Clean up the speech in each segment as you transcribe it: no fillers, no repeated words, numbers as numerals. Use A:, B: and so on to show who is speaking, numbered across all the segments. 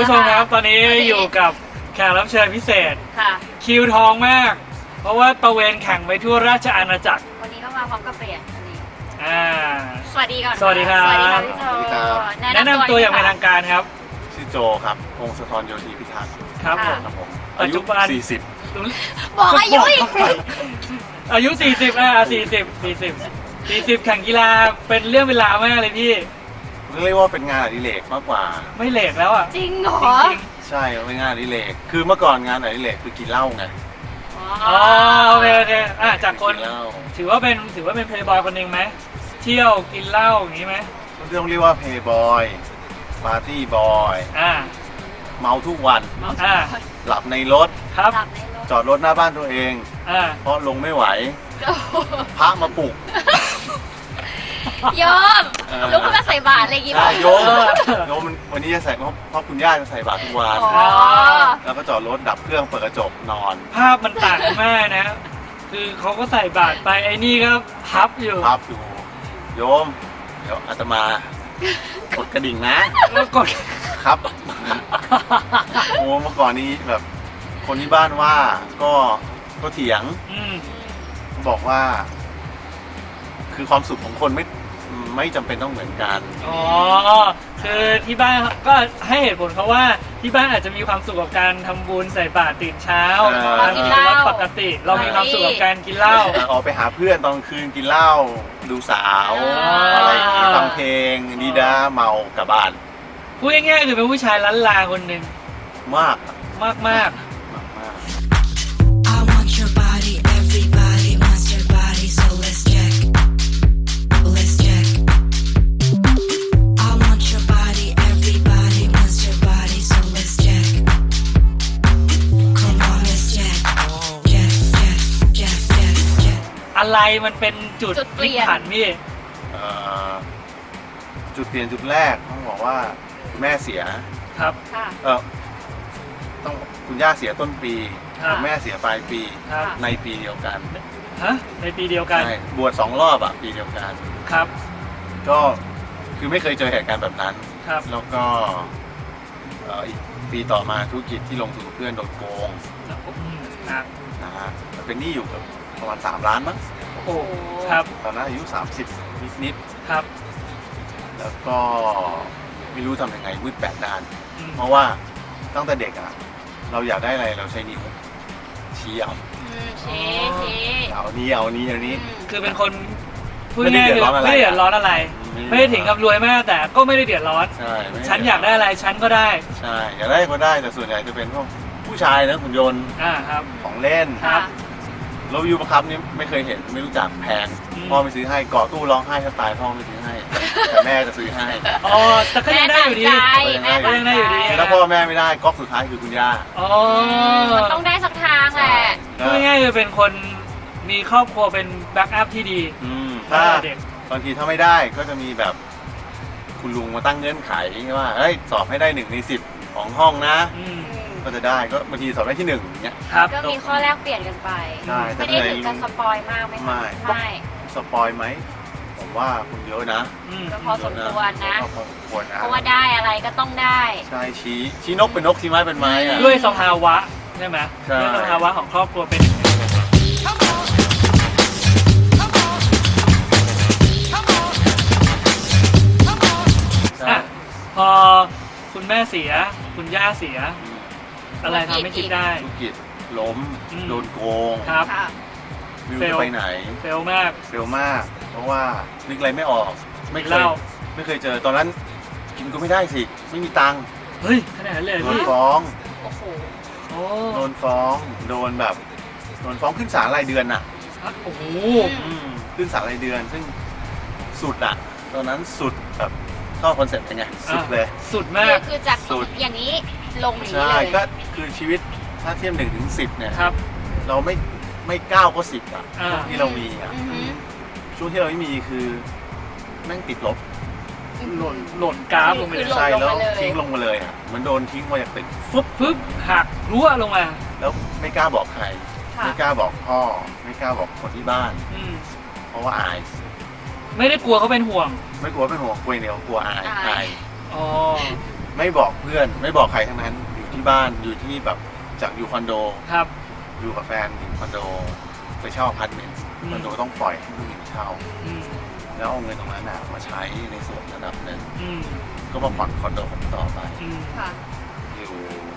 A: ผู้ชมครับตอนนี้อยู่กับแขกรับเชิญพิเศษ
B: ค่ะ
A: คิวทองมาก เพราะว่าตะเวนแข่งไปทั่วราชอาณาจักร
B: วันนี้ก็มาพร้อมกับเปลี่ยนวันนี้สวัสดีก่อน
A: สวัสดีครับ
B: สวัสดีครับพี่โจ
A: แนะนำตัวอย่างเป็นทางการครับ
C: ชื่อโจครับพงศธรโยธีพิทักษ์
A: ครับผม
C: อายุ40
B: บอกอายุอีก
A: อายุ4040แข่งกีฬาเป็นเรื่องเวลามากเลยพี่
C: เรียกว่าเป็นงานอดิเรกมากกว่า
A: ไม่เหลกแล้วอ่ะ
B: จริงเหรอ
C: ใช่เป็นงานอดิเรกคือเมื่อก่อนงานอดิเรกคือกินเหล้าไง
A: อ๋อโอเคจากคนถือว่าเป็นเพลย์บอยคนหนึ่งไหมเที่ยวกินเหล้าอย่างนี้ไหม
C: ต้องเรียกว่าเพลย์บอยปาร์ตี้บอยเมาทุกวันหลับในรถ
A: ครับ
C: จอดรถหน้าบ้านตัวเองเพราะลงไม่ไหวพระมาปลุก
B: โยมลุกขึ้นมาใส่บาตรอะไรอย่างงี้ป่ะ
C: โยมวันนี้จะใส่เพราะคุณย่าจะใส่บาตรทุกวันแล้วก็จอดรถดับเครื่องเปิดกระจกนอน
A: ภาพมันต่างมากนะคือเขาก็ใส่บาตรไปไอ้นี่ก็พับอยู่
C: โยมเดี๋ยวอาตมากดกระดิ่งนะ
A: แล้วกด
C: ครับโอ้เมื่อก่อนนี้แบบคนที่บ้านว่าก็เถียงบอกว่าคือความสุขของคนไม่จำเป็นต้องเหมือนกัน
A: อ๋อคือที่บ้านก็ให้เหตุผลเขาว่าที่บ้านอาจจะมีความสุขกับการทำบุญใส่บาตรตื่นเช้า
B: กินเหล้า
A: ปกติเรามีความสุขกับการกินเหล้า
C: ออกไปหาเพื่อนตอนคืนกินเหล้าดูสาวอะไรฟังเพลงดีด้าเมากลับบ้าน
A: พูดง่ายๆคือเป็นผู้ชายล้านลาคนหนึ่ง
C: มาก
A: อะไรมันเป็นจุดเปลี่ยนพี่
C: จุดเปลี่ยนจุดแรกต้องบอกว่าแม่เสีย
A: ครับ
C: ต้องคุณย่าเสียต้นปีแม่เสียปลายปีในปีเดียวกัน
A: ในปีเดียวกัน
C: บวช2 รอบปีเดียวกัน
A: ครับ
C: ก็คือไม่เคยเจอเหตุการณ์แบบนั้น
A: ครับ
C: แล้วก็อีกปีต่อมาธุรกิจที่ลงทุนกับเพื่อนโดนโกงนะฮะเป็นหนี้อยู่กับประมาณ3 ล้านมั้ง
A: โอ้ครับ
C: ตอนนั้นอายุ30นิด
A: ครับ
C: แล้วก็ไม่รู้ทำยังไงมืด8 ด้านเพราะว่าตั้งแต่เด็กเราอยากได้อะไรเราใช้นิ้วชี้เอานี้
A: คือเป็นคนพูดง่ายๆไม่ได้เดือดร้อนอะไรไม่ได้ถึงกับรวยมากแต่ก็ไม่ได้เดือดร้อนฉันอยากได้อะไรฉันก็ได้
C: ใช่อยากได้ก็ได้แต่ส่วนใหญ่จะเป็นพวกผู้ชายนะหุ่นยนต์ของเล่นรถวิวบังคับนี่ไม่เคยเห็นไม่รู้จักแพงพ่อไม่ซื้อให้เกาะตู้ร้องไห้แทบตายพ่อไม่ซื้อให้แต่แม่จะซื้อให้
A: แต่ก็ยังได้อยู่ดีก็ยังได้อยู่ดี
C: แล้วพ่อแม่ไม่ได้ก๊อกสุดท้ายคือคุณย่า
B: มันต้องได้สักทางแหละ
A: ง่ายๆคือเป็นคนมีครอบครัวเป็นแบ็กอัพที่ดี
C: ถ้าบางทีถ้าไม่ได้ก็จะมีแบบคุณลุงมาตั้งเงื่อนไขว่าเฮ้ยสอบให้ได้1 ใน 10ของห้องนะก็จะได้ก็บางทีสอบได้ที่1อย่างเงี้ย
B: ก็มีข้อแลกเปลี่ยนกันไปไม่ได้ถึงกับสปอยมากไหมไม่
C: สปอยไหมผมว่าคุณเยอะนะ
B: ก็พอสมควรนะเพราะว่าได้อะไรก็ต้องได้
C: ใช่ชี้นกเป็นนกชี้ไม้เป็นไม้
A: ด้วยสภาวะใช่ไหมด้วยสภาวะของครอบครัวเป็นพอคุณแม่เสียคุณย่าเสียอะไรทำให้คิดได้
C: ธุรกิจล้มโดนโกง
A: ครับ
C: ไม่รู้จะไปไหน
A: เฟลมาก
C: เพราะว่านึกอะไรไม่ออกไม่เคยเจอตอนนั้นกินก็ไม่ได้สิไม่มีตังค์
A: เฮ้ยขนาดนั้นเลย
C: โดนฟ้อง
A: โดน
C: ฟ้องขึ้นศาลรายเดือน
A: โอ้โห
C: ขึ้นศาลรายเดือนซึ่งสุดตอนนั้นสุดแบบเข้าคอนเซ็ปต์เป็นไงสุดเลย
A: สุดมาก
B: คือจากสุดอย่างนี้ลงอย่างนี้เลย
C: ใช่ก็คือชีวิตถ้าเทียบ1 ถึง 10เนี่ยเราไม่9 ก็ 10ที่เรามีช่วงที่เราไม่มีคือแม่งติดลบ
A: หล่นกราฟลงไป
C: ใช่แล้วทิ้งลงมาเลยเหมือนโดนทิ้งมาจากตึก
A: ฟึบหักรั่วลงมา
C: แล้วไม่กล้าบอกใครไม่กล้าบอกพ่อไม่กล้าบอกคนที่บ้านเพราะว่าอาย
A: ไม่ได้กลัวเขาเป็นห่วง
C: ไม่กลัวเป็นห่วงกลัวเดียวกลัวอายไม่ไม่บอกเพื่อนไม่บอกใครทั้งนั้นอยู่ที่บ้านอยู่ที่แบบจากอยู่คอนโด
A: ครับ
C: อยู่กับแฟนอยู่คอนโดไปเช่าอพาร์ตเมนต์คอนโดต้องปล่อยให้ผู้หญิงเช่า
A: อืม
C: แล้วเอาเงินตรงนั้นมาใช้ในส่วนระดับหนึ่ง
A: อืม
C: ก็มาผ่อนคอนโดผมต่อไป
A: อืม
B: ค่ะ
C: อยู่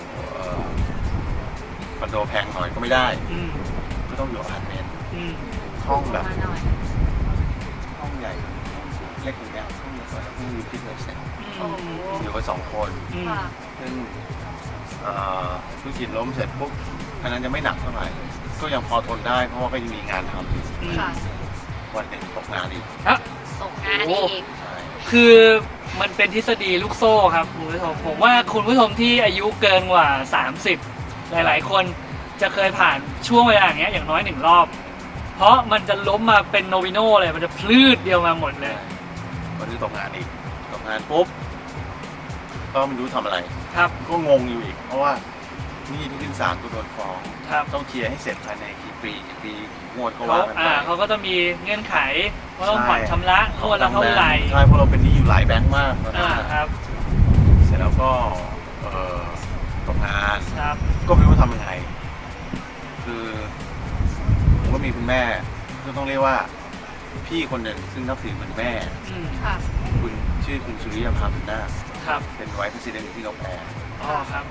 C: คอนโดแพงหน่อยก็ไม่ได้
A: อืม
C: ก็ต้องอยู่อพาร์ตเมนต์
A: อืม
C: ห้องแบบ
B: มาหน่อย
C: ห้องใหญ่เล็กอย่างเงี้ยห้องเล็กกว่าที่มีพิษเลยเสร็จ
B: โอ้โห
C: อยู่กัน2 คน
A: อืม
B: ค่ะ
C: ซึ่งธุรกิจล้มเสร็จปุ๊บอันนั้นจะไม่หนักเท่าไหร่ก็ยังพอทนได้เพราะว่าก็ยังมีงานทำอยู่
A: อืม
B: ค่ะ
C: วันหนึ่งตกงานอีก
A: ฮะ
B: ตกงานอีก
C: ใช่
A: คือมันเป็นทฤษฎีลูกโซ่ครับคุณผู้ชมผมว่าคุณผู้ชมที่อายุเกินกว่า 30 หลายๆ คนจะเคยผ่านช่วงเวลาอย่างเงี้ยอย่างน้อย1 รอบ เพราะมันจะล้มมาเป็นโนวิโนเลยมันจะพลืดเดียวมาหมดเลย
C: วันนี้ตกงานอีกตกงานปุ๊บก็ไม่รู้ทำอะไร
A: ครับ
C: ก็งงอยู่อีก เพราะว่านี่ที่ขึ้นศาลก็โดนฟ้อง
A: ครับ
C: ต้องเคลียร์ให้เสร็จภายในกี่ปีกี่งวดก็
A: เขา
C: ว่ากันไป
A: เขาก็จะมีเงื่อนไขว่าต้องผ่อนชำระงวดละเท่าไหร่
C: ใช่เพราะเราเป็นหนี้อยู่หลายแบงค์มากตอนนั้น
A: ครับ
C: เสร็จแล้วก็ตกงาน
A: ครับ
C: ก็ไม่รู้ทำยังไง คือผมก็มีคุณแม่ก็ต้องเรียกว่าพี่คนหนึ่งซึ่งนับถือเหมือนแม่
A: อืม
B: ค่ะ
C: คุณชื่อคุณสุริยภาบุญนาค
A: ครับ
C: เป็นไวท์ประธานที่นกแอร์
A: อ๋อครับ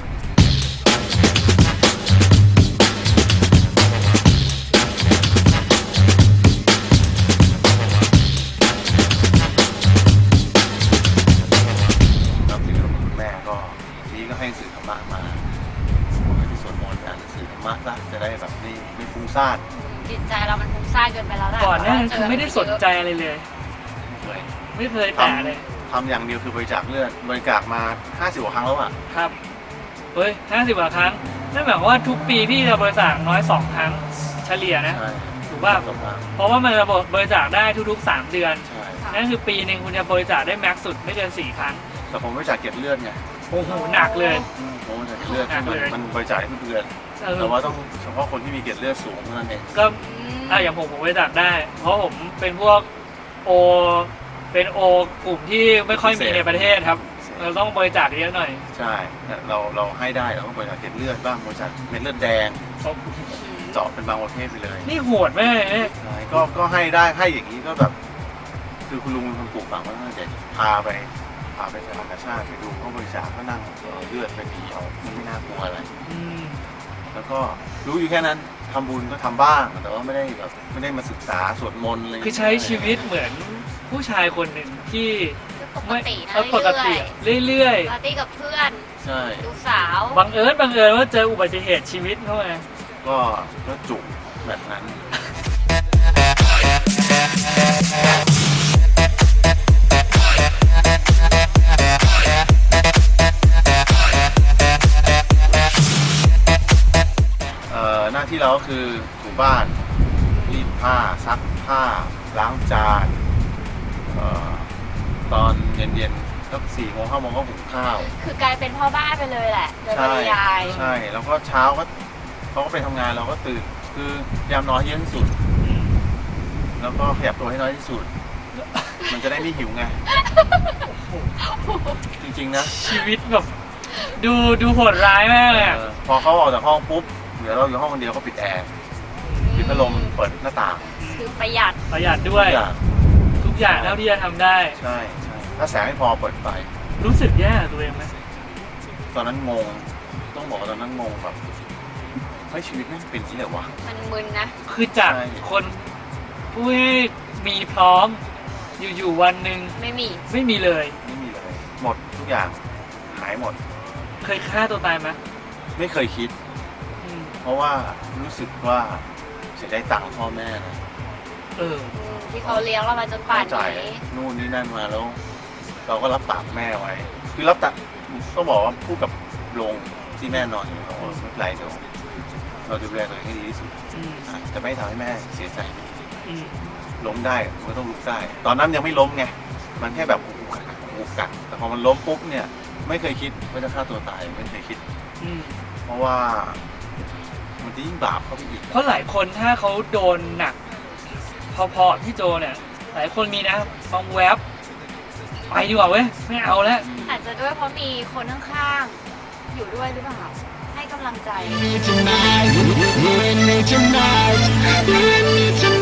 C: นับถือคุณแม่ก็ทีนี้ก็ให้หนังสือธรรมะมาบอกให้ที่สวดมนต์อ่านหนังสือธรรมะซะจะได้แบบไม่ฟุ้งซ่าน
B: จิตใจเรามันฟุ้งซ่านเกินไปแล้วแหละ
A: ก่อนหน้านั้นคือไม่ได้สนใจอะไรเลย
C: เลย
A: ไม่เคยแตะเลย
C: ทำอย่างเดียวคือบริจาคเลือดบริจาคมา50 กว่าครั้งแล้วอ่ะ
A: ครับ เฮ้ย50 กว่าครั้ง นั่นหมายความว่าทุกปีพี่จะบริจาคน้อย 2 ครั้งเฉลี่ยนะ
C: ใช่
A: ถูกป่ะ
C: สองครั้ง
A: เพราะว่ามันจะบริจาคได้ทุกๆ 3 เดือน
C: ใช่
A: นั่นคือปีหนึ่งคุณจะบริจาคได้แม็กซ์สุดไม่เกิน 4 ครั้ง
C: แต่ผมบริจาคเก็บเลือดไง
A: โอ้โห หนักเลย
C: ผมบริจาคเก็บเลือด
A: หนักเลย
C: มันบริจาคได้ทุกเดือน
A: เออ
C: แต่ว่าต้องเฉพาะคนที่มีเกล็ดเลือดสูงเท่านั้นเอง
A: ก็
B: อืม
A: อย่างผมบริจาคได้ เพราะผมเป็นพวกโอ เป็นโอกลุ่มที่ไม่ค่อยมีในประเทศครับ เราต้องบริจาคเยอะหน่อย
C: ใช่เราให้ได้เราก็บริจาคเกล็ดเลือดบ้างบริจาคเม็ดเลือดแดงเจาะเป็นบางประเภทไปเลย
A: นี่โหดไหมเนี่ย
C: ใช่ก็ให้ได้ให้อย่างนี้ก็แบบ คือคุณลุงเป็นคนปลูกฝังมาตั้งแต่เด็กพาไปสถานกาชาติไปดูเขาบริจาคก็นั่งเลือดไปดีเอามันไม่น่ากลัวอะไร
A: อืม
C: แล้วก็รู้อยู่แค่นั้นทำบุญก็ทำบ้าง แต่ว่าไม่ได้มาศึกษาสวดมนต์อะไร
A: คือใช้ชีวิตเหมือนผู้ชายคนหนึ่งที่
B: ปก
A: ไม่
B: ตินะ
A: ปกติเรื่อย
B: ปาร์ตี้กับเพื่อน
C: ใช่
B: ดูสาว
A: ๆบังเอิญว่าเจออุบัติเหตุชีวิตเข้ามา
C: ก็จุกแบบนั้น หน้าที่เราก็คือถูบ้านรีดผ้าซักผ้าล้างจานตอนเย็นๆสัก4 โมง 5 โมงก็หุงข้าว
B: คือกลายเป็นพ่อบ้านไปเลยแหละโดยปริยาย
C: ใช่แล้วก็เช้าก็เขาก็ไปทำงานเราก็ตื่นคือยามนอนให้เยอะที่สุด แล้วก็ขยับตัวให้น้อยที่สุด มันจะได้ไม่หิวไง จริงๆนะ
A: ชีวิตแบบดูโหดร้ายมากเลยอะ
C: พอเขาออกจากห้องปุ๊บเดี๋ยวเราอยู่ห้องคนเดียวก็ปิดแอร์ปิดพัดลมเปิดหน้าต่าง
B: คือประหยัด
A: ประหยัดด้วย
C: ทุกอย่าง
A: ทุกอย่างเท่าที่จะทำได้
C: ใช่ถ้าแสงไม่พอเปิดไฟ
A: รู้สึกแย่กับตัวเองไหม
C: ตอนนั้นงงต้องบอกว่าตอนนั้นงงแบบเฮ้ยชีวิตไม่งเป็นที่ไหนวะ
B: มันมึนนะ
A: คือจาก
C: ใช่
A: คนผู้ที่มีพร้อมอยู่ๆวันหนึ่ง
B: ไม่มี
A: ไม่มีเลย
C: ไม่มีเลยหมดทุกอย่างหายหมด
A: เคยฆ่าตัวตายไหม
C: ไม่เคยคิด
A: อืม
C: เพราะว่ารู้สึกว่าเสียดายตังค์พ่อแม่นะ
A: เออ
B: ที่เขาเลี้ยงเรามาจนป่าน
C: จ่าย
B: นี้
C: นู่นนี่นั่นมาแล้ว เราก็รับปากแม่ไว้ คือรับปากต้องบอกว่าพูดกับโรงที่แม่นอนอยู่บอกว่าไม่เป็นไรเดี๋ยวเราดูแลตัวเองให้ดีที่สุด
A: อืม
C: จะไม่ทำให้แม่เสียใจ
A: อืม
C: ล้มได้มันก็ต้องลุกได้ ตอนนั้นยังไม่ล้มไงมันแค่แบบอุกกักแต่พอมันล้มปุ๊บเนี่ยไม่เคยคิดว่าจะฆ่าตัวตายไม่เคยคิด
A: อืม
C: เพราะว่ามันจะยิ่งบาปเข้าไปอีก
A: เพราะหลายคนถ้าเขาโดนหนัก พอๆที่โจเนี่ย หลายคนมีนะบางแวบไปดีกว่าเว้ยไม่เอาแล้ว
B: อาจจะด้วยเพราะมีคนข้างๆอยู่ด้วยหรือเปล่าให้กำลังใจ
D: Tonight, you and me tonight, you and me tonight.